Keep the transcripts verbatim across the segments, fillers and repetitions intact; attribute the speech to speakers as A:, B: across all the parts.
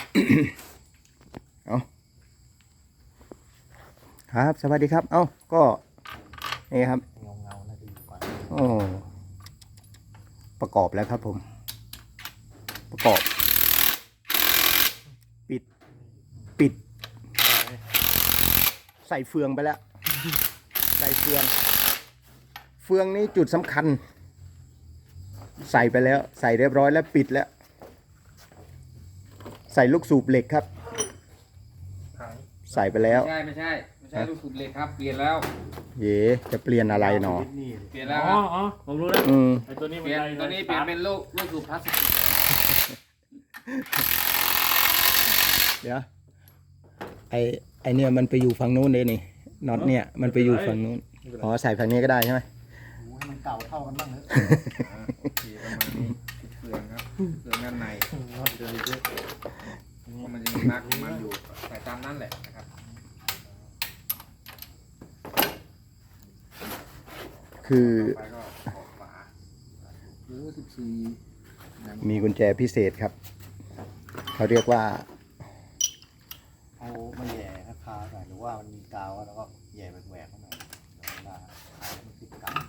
A: เอาครับสวัสดีครับ เอ้าก็นี่ครับ
B: เงาเงาน่าจะดีกว่า
A: โอ้ประกอบแล้วครับผมประกอบปิดปิดใส่เฟืองไปแล้วใส่เฟืองเฟืองนี้จุดสำคัญใส่ไปแล้วใส่เรียบร้อยแล้วปิดแล้วใส่ลูกสูบเหล็กครับใส่ไปแล้ว
C: ไม่ใช่ไม่ใช่ไม่ใช่ลูกสูบเหล็กครับเปลี่ยนแล้ว
A: เย่จะเปลี่ยนอะไรหนอ
C: เปลี่ยนแล้วค
B: อ๋
C: รั
B: อบ อ๋อผมรู้แล้ว
A: อืม
B: ไอ้ตัวนี้
C: เป
B: มัน
C: ลี่ยน
B: ได
C: ตัวนี้เปลี่ยนเป็นลูกลูกสูบพลาสติก
A: เดี๋ยวไอไอเนี่ยมันไปอยู่ฝั่งนู้นเลยนี่น็อตเนี่ยมันไปอยู่ฝั่งนู้นอ๋อใส่ฝั่งนี้ก็ได้ใช่ไหม
B: ให้มันเก่าเท่ากันบ้างเนอะ
C: โอเคประมาณนี้เปลืองครับเปลืองด้านในเพราะมันจะมีมาร์กของมันอยู่ใส่ตามนั้นแหละนะครับ
A: คือ
C: ต่อไปก็ออกฝา
B: หรือสิบสี่
A: มีกุญแจพิเศษครับเขาเรียกว่า
B: เอามาแย่ราคาหน่อยหรือว่ามันมีกาวแล้วก็แย่แหวกๆหน่อยเดี๋ยวเวลาขายมันติดกัน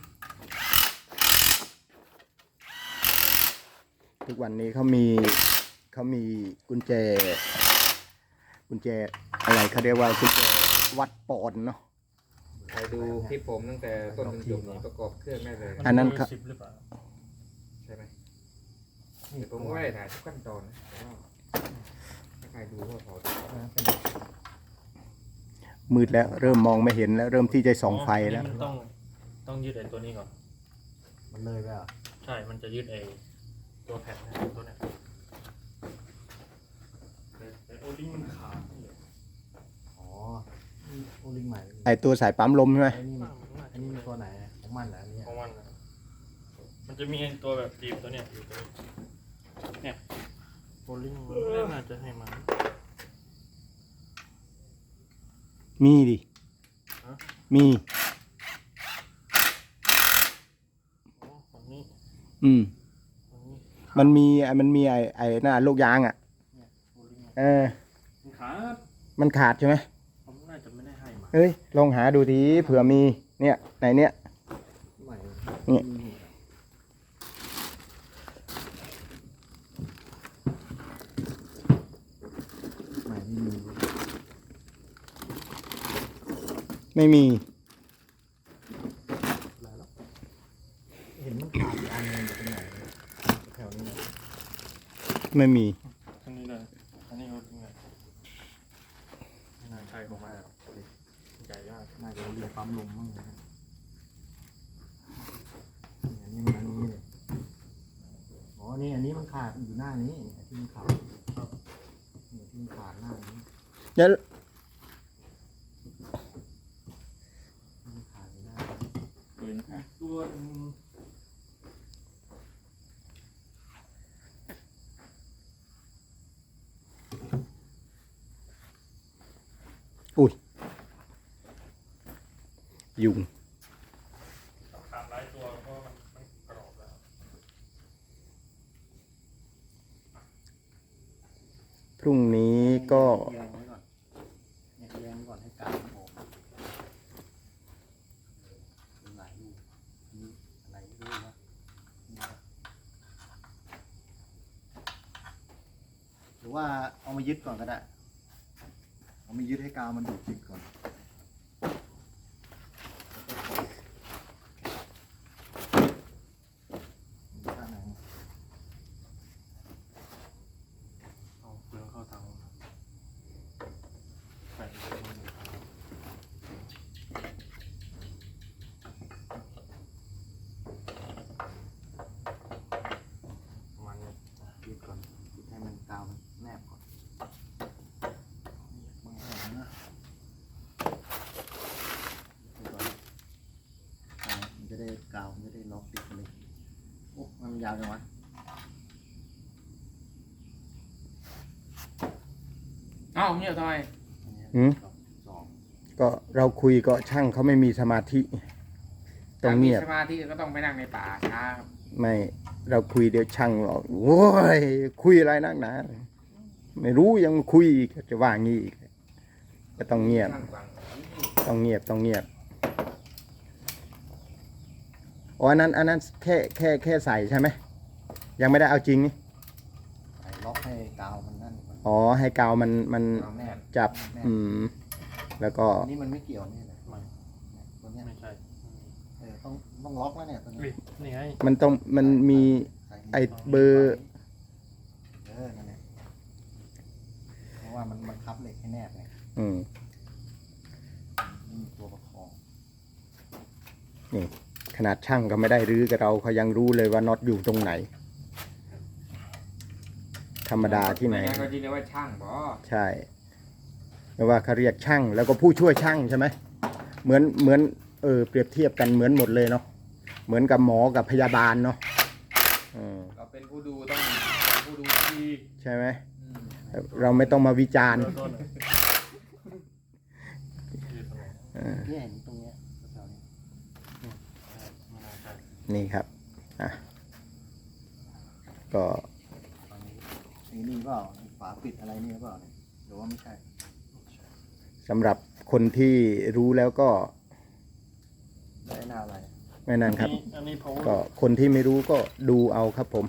A: ทุกวันนี้เขามีเขามีกุญแจ กุญแจอะไรเขาเรียกว่ากุญแจวัดปอนด์เนาะ
C: ใครดูคลิปผมตั้งแต่ต้นจนจบนี่ประกอบเครื่องได้เลย
A: อันนั้นครับ
B: สิบหรือเปล่า
C: ใช่ไหมแต่ผมก็ไม่ได้ถ่ายทุกขั้นตอนนะแต่ว่าถ้าใครดูก็พอ
A: มืดแล้วเริ่มมองไม่เห็นแล้วเริ่มที่จะส่องไฟแล้ว
D: มันต้องต้องยืดไอ้ตัวนี้ก่อน
B: มันเลยไปอ่ะ
D: ใช่ มันจะยืดไอ้ตัวแผ่นนะตัวเนี้ยแต่แต่โอลิงมันขาดนี่แหละ
B: อ๋อโอลิงใหม่
A: ไอตัวสายปั๊มลมใช่ไหม
B: ไอ้นี่มัน
D: มันน่า
B: อั
D: จะ
B: นนี้มันตัวไหนของมันเหรออันนี้
D: ของมันนะมันจะมีไอ้ตัวแบบจีบตัวเนี้ยอยู่ตัวนี้เนี่ยโอลิงมันน่าจะให้มัน
A: มีดิ
D: ฮะ
A: มี
D: อ๋อฝั่งนี้
A: อืม
D: ฝั่งนี้
A: มันมีมันมีไอไอหน้าลูกยางอ่ะ
D: เนี่ยโอลิง
A: เออ
D: มันขาด
A: มันขาดใช่ไหม
D: ผมน่าจะไม่ได้ให้มา
A: เฮ้ยลองหาดูทีเผื่อมีเนี่ยในเนี้ย
B: ใหม่
A: เนี่ย
B: ใหม่ไม่มี
A: ไม่มี
B: อะไรหรอกเห็นมันขาดอีกอันหนึงอยู่ตรงไหนแถวนี้นะ
A: ไม่มี
D: อันนี้เลยอันนี้โอลิงเลยไม่น่าใช่ของมันหรอกใหญ่ยาก
B: น่าจะเรียกปั๊มลมมั้งนะอันนี้มันอันนี้เลยอ๋อนี่อันนี้มันขาดอยู่หน้านี้ที่มันขาดเนี่ยที่มันขาดหน้านี้
A: เดี๋ยว
B: มันขาดอยู่หน้านี้
D: ปืนอีกตัวหนึ่ง
A: อุ้ยยุง
D: ขาดหลายตัวเพราะมันมันกรอบแล้ว
A: พรุ่งนี้ก็
B: แยงไว้ก่อนเนี่ยแยงก่อนให้กาวมันออกมีหลายลูกมีอะไรไม่รู้นะเนี่ยหรือว่าเอามายึดก่อนก็ได้เอามายึดให้กาวมันดูดติดก่อนแล้วก็ปล่อยด้านไหน
D: เอาเปลืองเข้าเตาใส่ตัวมันอยู่ประมาณนี้
B: ยึดก่อนยึดให้มันกาวมันแนบก่อนบางแห่งนะยึดก่อนกาวมันจะได้กาวมันจะได้ล็อกติดกันเลยโอ้มันยาวจังวะ
C: เอ้าเนี่ยทำไม
B: อันเนี้ย
A: หืม
B: สอง
A: ก็เราคุยก็ช่างเขาไม่มีสมาธิต้องเงียบ
C: สมาธิก็ต้องไปนั่งในป่าช้าครับ
A: ไม่เราคุยเดี๋ยวช่างหรอกโว้ยคุยอะไรนักหนาไม่รู้ยังคุยอีกจะว่างี้อีกก็ต้องเงียบ
C: ช่างฟัง
A: ต้องเงียบต้องเงียบอ๋ออันนั้นอันนั้นแค่แค่แค่ใส่ใช่ไหมยังไม่ได้เอาจริงนี่
B: ใส่ล็อกให้กาวมันนั่นก่อน
A: อ๋อให้กาวมันมัน
B: เอาแนบ
A: จับ
B: แนบ
A: อืมแล้วก็
B: อันนี้มันไม่เกี่ยวนี่เลย
D: ไม่
B: ตัวเนี้ย
D: ไม่ใช่
B: เออต้องต้องล็อกแล้วเนี่ยตัว
D: อุ๊
B: นี้
D: ยนี่ไง
A: มันต้องมันมี
B: ใส่
A: ไอ้เบอร์
B: เออนั่นแหละเพราะว่ามันบังคับเหล็กให้แนบไง
A: อืม
B: นี่มีตัวประคอง
A: นี่ขนาดช่างก็ไม่ได้รื้อกับเราเขายังรู้เลยว่าน็อตอยู่ตรงไหน ธรรมดาที่ไหน
C: ม่งั้ก็ที่เรียกว่าช่างบอ
A: ใช่เพราะว่าเขาเรียกช่าง แล้วก็ผู้ช่วยช่างใช่ไหมเหมือนเหมือนเออเปรียบเทียบกันเหมือนหมดเลยเนาะเหมือนกับหมอกับพยาบาลเนาะอืม
C: เราเป็นผู้ดูต้องผู้ดูที
A: ใช่ไหม
C: อืม
A: เราไม่ต้องมาวิจารณ์
D: เริ่มต้นอะอยู่ตรงไหน
A: เออ
B: เนี่ยเห็นตรงเนี้ยแถวๆนี้
D: ไม่น่าใช่
A: นี่ครับอ่ะก็
B: ตรงนี้ไอ้นี่เปล่าไอ้ฝาปิดอะไรนี่เปล่าเนี่ยหรือว่าไม่ใช่
A: สำหรับคนที่รู้แล้วก็
B: ได้หน้าอะไร
A: ไม่นั่นครับ
D: อัอันนี้ power
A: ก็คนที่ไม่รู้ก็ดูเอาครับผม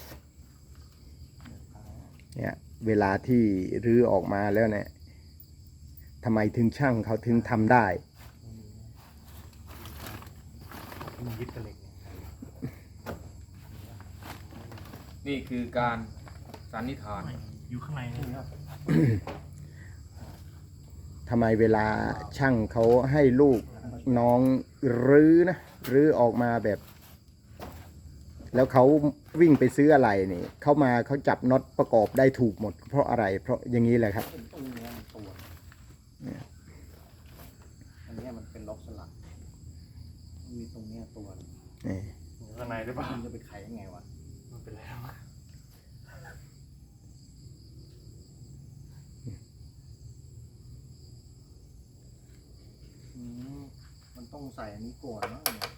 A: เนี่ยเวลาที่รื้อออกมาแล้วเนี่ยทำไมถึงช่างเขาถึงทำได้
D: มันยึดกับเหล็กเนี่ย
C: นี่คือการสันนิษฐาน
D: ไม่อยู่ข้างในนี่ครับ
A: ทำไมเวลาช่างเขาให้ลูกน้องรื้อนะรื้อออกมาแบบ แล้วเขาวิ่งไปซื้ออะไรนี่เขามาเขาจับน็อตประกอบได้ถูกหมด เพราะอะไร เพราะอย่างนี้แหละครับ
B: ตรงเนี้ยมันตัวเนี่ยอันเนี้ยมันเป็นล็อกสลักมันมีตรงเนี้ยตัวหนึ่ง
A: นี่
D: อยู่ข้างในหรือเปล่า
B: มันจะไปไขยังไงวะ
D: มันเป็นแล้ว
B: อืมมันต้องใส่อันนี้ก่อนมั้งเนี่ย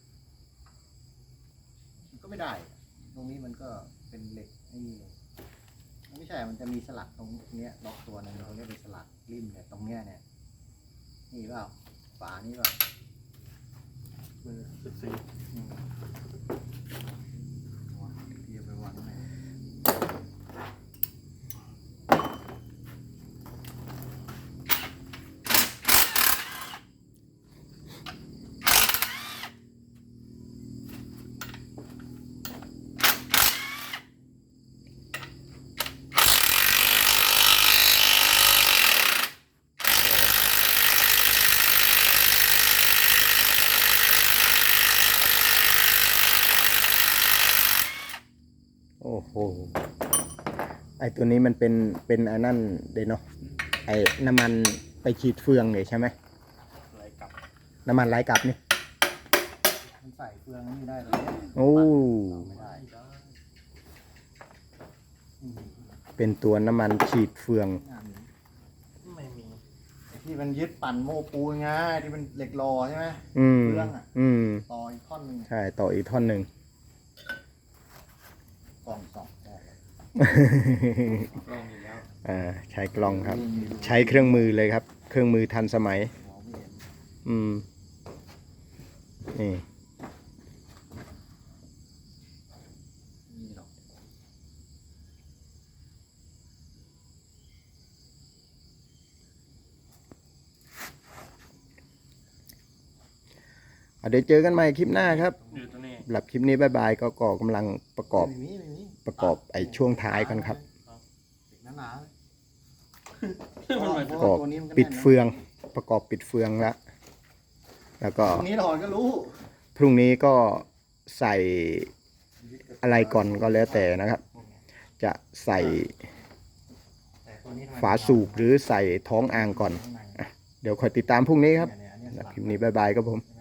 B: มันก็ไม่ได้ ตรงนี้มันก็เป็นเหล็กไอ้นี่เลยมันไม่ใช่ มันจะมีสลักตรงเนี้ยล็อกตัวหนึงเขาเรียกเป็นสลักริมเนี่ยตรงเนี้ยเนี่ยนี่เปล่าฝานี่เปล่า
D: เบอร์สิบสี่
B: อืมวางที่จะไปวางไหน
A: โอ้โหไอตัวนี้มันเป็นเป็นไอ้นั่นเดยเนาะไอ้น้ำมันไปฉีดเฟืองเลยใช่ไหม
D: ไหลกลับ
A: น้ำมันไหลกลับนี่
B: มันใส่เฟืองนี่ได้เลย
A: โอ้
B: ไม่ได้
D: ได้
B: อืม
A: เป็นตัวน้ำมันฉีดเฟือง
B: งานนี้
D: ไม่มี
B: ไอ้ที่มันยึดปั่นโม้ปูนไงที่เป็นเหล็กรอใช่ไหม
A: อืม
B: เฟืองอะ
A: อืม
B: ต่ออีกท่อนหนึ่ง
A: ใช่ ต่ออีกท่อนหนึ่ง
B: กล่องสองได้เลย
C: ลองอยู่แล้ว
A: อ่าใช้กล้องครับ ใช้เครื่องมือเลยครับ เครื่องมือทันสมัย
B: มองไม่เห็น
A: อืม นี่
B: นี่หรอก
A: อ่ะเดี๋ยวเจอกันใหม่คลิปหน้าครับ
D: อยู่ตรงนี้
A: สำหรับคลิปนี้บายบายก็ก่อกำลังประกอบ
B: ไม่มีไม่มี
A: ประกอบไอ้ช่วงท้ายกันครับ
B: เหล็กหนาๆเลย
D: มันหมาย
B: เพ
A: ประ
B: ราะ
A: กอ
B: ว่า
A: บ
B: ตัวนี้มันก็
A: ปิด
B: แน่นนะ
A: เฟือง ประกอบปิดเฟืองแล้ว แล้วก็
B: ตรงนี้ถอดก็รู้
A: พรุ่งนี้ก็ใส่อะไรก่อนก็แล้วแต่นะครับ จะใส่
B: แต่ตัวนี้ทำไม
A: ฝาสูบหรือใส่ท้องอ่างก่อน
B: ข้างใน
A: เดี๋ยวคอยติดตามพรุ่งนี้ครับ
B: เนี่ยเนี่ยอันเนี้ย
A: สำห
B: ส
A: รับ
B: ลัก
A: คลิปนี้บายบายครับผม